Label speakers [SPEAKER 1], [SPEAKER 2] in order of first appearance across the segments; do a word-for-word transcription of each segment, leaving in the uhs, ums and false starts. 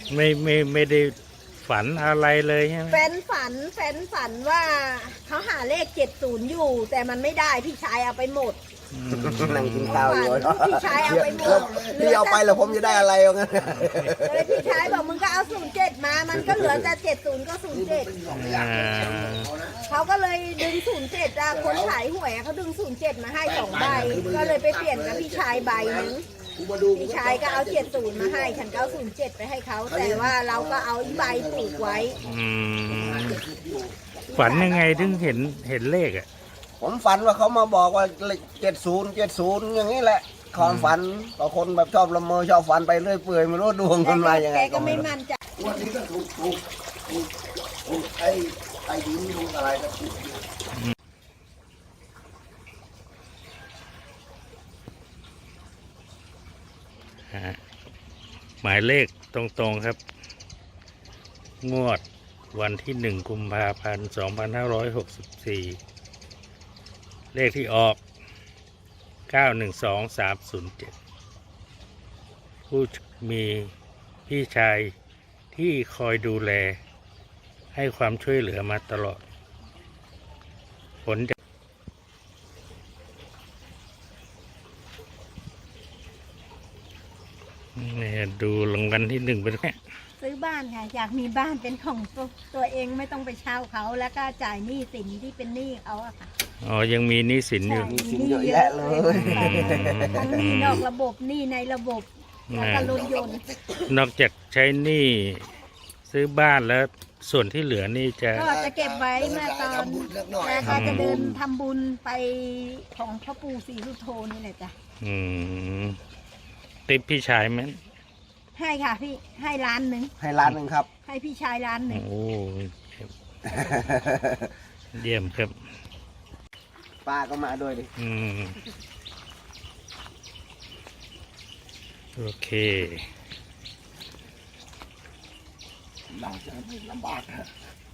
[SPEAKER 1] ไม่ไม่ไม่ได้ฝันอะไรเลยใช่ไหม
[SPEAKER 2] แฟนฝันแฟนฝันว่าเขาหาเลขเจ็ดศูนย์อยู่ แต่มันไม่ได้พี่ชายเอาไปหมด
[SPEAKER 3] นั่งกินข้าวอยู่เนาะ
[SPEAKER 2] พี่ชายเอาไปหมด
[SPEAKER 3] พี่เอาไปแล้วผมจะได้อะไรเอางั้น
[SPEAKER 2] เลยพี่ชายบอกมึงก็เอาศูนย์เจ็ดมามันก็เหลือแต่เจ็ดศูนย์ก็ศูนย์เจ็ดเขาก็เลยดึงศูนย์เจ็ดอะคนขายหวยเขาดึงศูนย์เจ็ดมาให้สองใบก็เลยไปเปลี่ยนกับพี่ชายใบนึงพี่ชายก็เอาเจ็ดศูนย์มาให้ฉันก็เอาศูนย์เจ็ดไปให้เขาแต่ว่าเราก็เอาอีใบปลูกไว้
[SPEAKER 1] ฝันยังไงถึงเห็นเห็นเลขอ่ะ
[SPEAKER 3] ผมฝันว่าเขามาบอกว่าเจ็ดศูนย์เจ็ดศูนย์อย่างนี้แหละความฝันต่อคนแบบชอบละเมอชอบฝันไปเรื่อยเปื่อยไม่รู้ดวงคนมาอย่างไง
[SPEAKER 2] ก็ไม่มั่นใจ
[SPEAKER 3] วันนี้ก็ถูกถูกถูกถูกไอ้ไอ้ดินถูกอะไรก็ถูก
[SPEAKER 1] หมายเลขตรงๆครับงวดวันที่หนึ่งกุมภาพันธ์สองพันห้าร้อยหกสิบสี่เลขที่ออกเก้าหนึ่งสองสามศูนย์เจ็ดผู้มีพี่ชายที่คอยดูแลให้ความช่วยเหลือมาตลอดผลจะนี่ดูรางวัลที่หนึ่งเป็นไง
[SPEAKER 2] ซื้อบ้านค่ะอยากมีบ้านเป็นของตัวตัวเองไม่ต้องไปเช่าเขาแล้วก็จ่ายหนี้สินที่เป็นหนี้เขาอะค่ะ
[SPEAKER 1] อ๋อยังมีหนี้สินอยู่
[SPEAKER 3] มีสินเยอะแยะเลย
[SPEAKER 2] ทั้งหนี้นอกระบบหนี้ในระบบแล้วก็รถยนต์
[SPEAKER 1] นอกจากใช้หนี้ซื้อบ้านแล้วส่วนที่เหลือนี่จะ
[SPEAKER 2] ก็จะเก็บไว้เมื่อตอนแล้วก็จะเดินทำบุญไปของพ่อปู่ศรีสุโธนี่แหละจ้ะ
[SPEAKER 1] อืมติปพี่ชายไหม
[SPEAKER 2] ให้ค่ะพี่ให้ล้านหนึ่ง
[SPEAKER 3] ให้ล้านหนึ่งครับ
[SPEAKER 2] ให้พี่ชายล้านหนึ่ง
[SPEAKER 1] โอ้เยี่ยมครับ
[SPEAKER 3] ป้าก็มาด้วยดิ
[SPEAKER 1] อืมโอเค
[SPEAKER 3] ลำบากลำบากฮะ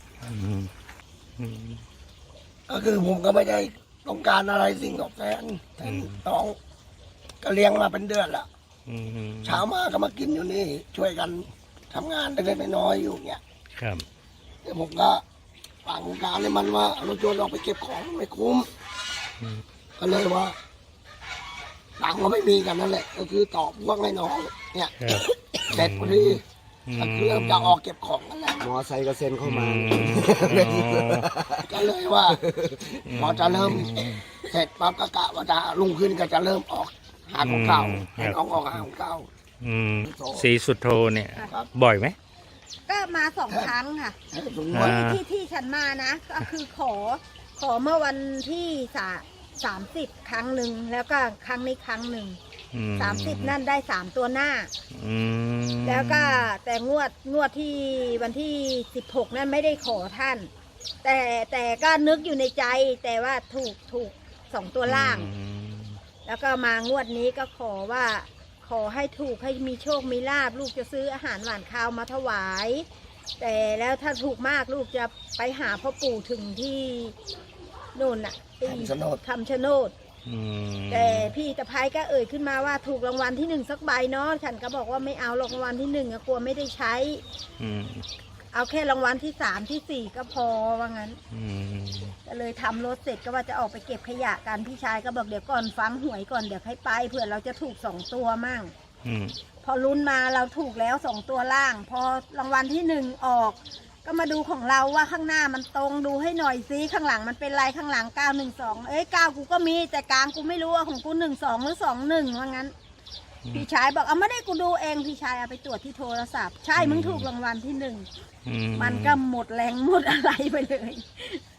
[SPEAKER 3] ก็คือผมก็ไม่ได้ต้องการอะไรสิ่งตอบแทนน้องก็เลี้ยงมาเป็นเดือนละเช้ามาก็มากินอยู่นี่ช่วยกันทำงานเล็กๆน้อยๆอยู่เนี่ย
[SPEAKER 1] ครับ
[SPEAKER 3] แต่ผมก็ฝั่งการเลยมันว่าเราโจรออกไปเก็บของไม่คุ้มก็เลยว่าตังค์ก็ไม่มีกันนั่นแหละก็คือตอบพวกให้น้องเนี่ยเสร็จพอดีก็คือจะออกเก็บของนั่นแหละมอไซค์ก็เซ็นเข้ามาก็เลยว่าพอจะเริ่มเสร็จปั๊บก็กะว่าจะลุงขึ้นก็จะเริ่มออกหาของเก่าให้น้องออกหาของเก่า
[SPEAKER 1] สีสุดโทเนี่ยบ่อยไหม
[SPEAKER 2] ก็มาสองครั้งค่ะที่ที่ฉันมานะก็คือขอขอเมื่อวันที่สาสามสิบครั้งหนึ่งแล้วก็ครั้งนี้ครั้งหนึ่งสามสิบนั่นได้สามตัวหน้าแล้วก็แต่งวดงวดที่วันที่สิบหกนั่นไม่ได้ขอท่านแต่แต่ก็นึกอยู่ในใจแต่ว่าถูกถูกสองตัวล่างแล้วก็มางวดนี้ก็ขอว่าขอให้ถูกให้มีโชคมีลาภลูกจะซื้ออาหารหวานข้าวมาถวายแต่แล้วถ้าถูกมากลูกจะไปหาพ่อปู่ถึงที่โน่นน่ะ
[SPEAKER 3] คำชะโนด
[SPEAKER 2] คำชะโนดแต่พี่ตะไพก็เอ่ยขึ้นมาว่าถูกรางวัลที่หนึ่งสักใบเนาะฉันก็บอกว่าไม่เอารางวัลที่หนึ่งกลัวไม่ได้ใช้เอาแค่รางวัลที่สามที่สี่ก็พอว่างั้นก็เลยทำรถเสร็จก็ว่าจะออกไปเก็บขยะกันพี่ชายก็บอกเดี๋ยวก่อนฟังหวยก่อนเดี๋ยวให้ไปเผื่อเราจะถูกสองตัวมั่งพอลุ้นมาเราถูกแล้วสองตัวล่างพอรางวัลที่หนึ่งออกก็มาดูของเราว่าข้างหน้ามันตรงดูให้หน่อยซิข้างหลังมันเป็นไรข้างหลังเก้าหนึ่งสองเอ้ยเก้ากูก็มีแต่กลางกูไม่รู้ว่าของกูหนึ่งสองหรือสองหนึ่งว่างั้นพี่ชายบอกเอาไม่ได้กูดูเองพี่ชายเอาไปตรวจที่โทรศัพท์ใช่มึงถูกรางวัลที่หนึ่งมันก็หมดแรงหมดอะไรไปเลย